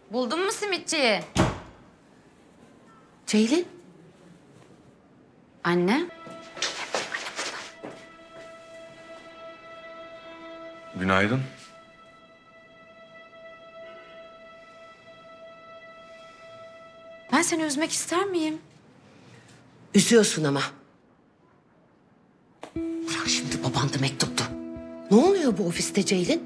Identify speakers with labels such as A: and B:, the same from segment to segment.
A: Buldun mu simitçiyi?
B: Ceylin.
A: Anne.
C: Günaydın.
A: Ben seni üzmek ister miyim?
B: Üzüyorsun ama. Bırak şimdi baban da mektuptu. Ne oluyor bu ofiste Ceylin?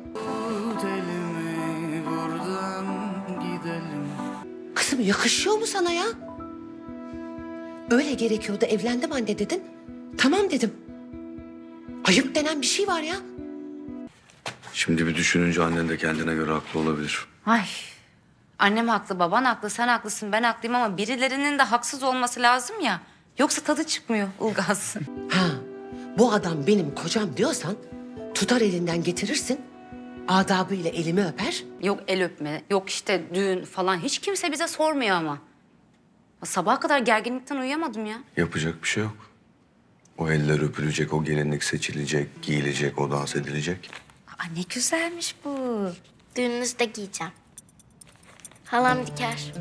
B: Kızım yakışıyor mu sana ya? Öyle gerekiyordu, evlendim anne dedin. Tamam dedim. Ayıp denen bir şey var ya.
C: Şimdi bir düşününce annen de kendine göre haklı olabilir.
A: Ay. Annem haklı, baban haklı, sen haklısın, ben haklıyım ama birilerinin de haksız olması lazım ya. Yoksa tadı çıkmıyor Ilgaz.
B: Ha, bu adam benim kocam diyorsan tutar elinden getirirsin. Adabıyla elimi öper.
A: Yok el öpme, yok işte düğün falan. Hiç kimse bize sormuyor ama. Sabaha kadar gerginlikten uyuyamadım ya.
C: Yapacak bir şey yok. O eller öpülecek, o gelinlik seçilecek, giyilecek, o dans edilecek.
A: Aa, ne güzelmiş bu.
D: Düğününüzde giyeceğim. Halam diker.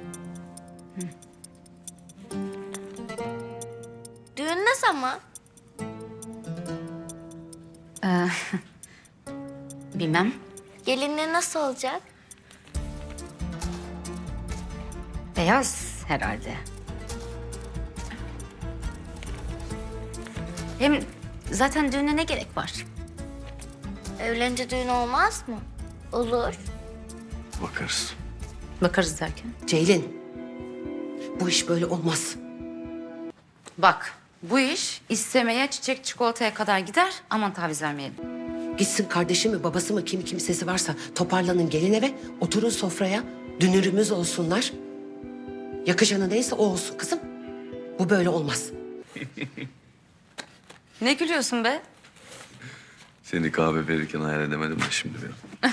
D: Düğün ne zaman?
A: Bilmem.
D: Gelinliği nasıl olacak?
A: Beyaz herhalde. Hem zaten düğüne ne gerek var?
D: Evlenince düğün olmaz mı? Olur.
C: Bakarız.
A: Bakarız derken.
B: Ceylin, bu iş böyle olmaz.
A: Bak bu iş istemeye çiçek çikolataya kadar gider. Aman taviz vermeyelim.
B: Gitsin kardeşi mi babası mı kim kimsesi varsa toparlanın gelin eve, oturun sofraya. Dünürümüz olsunlar. Yakışanı neyse o olsun kızım. Bu böyle olmaz.
A: Ne gülüyorsun be?
C: Seni kahve verirken hayal edemedim de şimdi bir.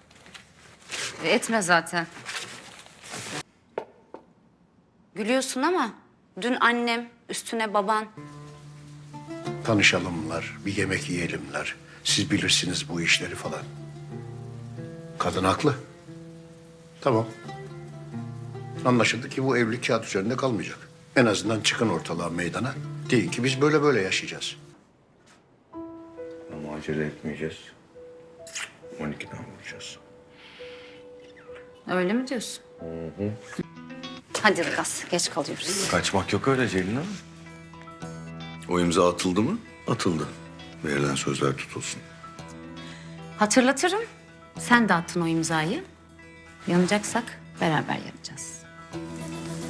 A: Etme zaten. Gülüyorsun ama dün annem, üstüne baban.
E: Tanışalımlar, bir yemek yiyelimler. Siz bilirsiniz bu işleri falan. Kadın haklı. Tamam. Anlaşıldı ki bu evlilik kağıt üzerinde kalmayacak. En azından çıkın ortalığa meydana. Deyin ki biz böyle böyle yaşayacağız.
C: Ama acele etmeyeceğiz. 12'den vuracağız.
A: Öyle mi diyorsun? Hadi Ilgaz, geç kalıyoruz.
C: Kaçmak yok öyle Ceylin Hanım. O imza atıldı mı? Atıldı. Verilen sözler tutulsun.
A: Hatırlatırım. Sen de attın o imzayı. Yanacaksak beraber yanacağız.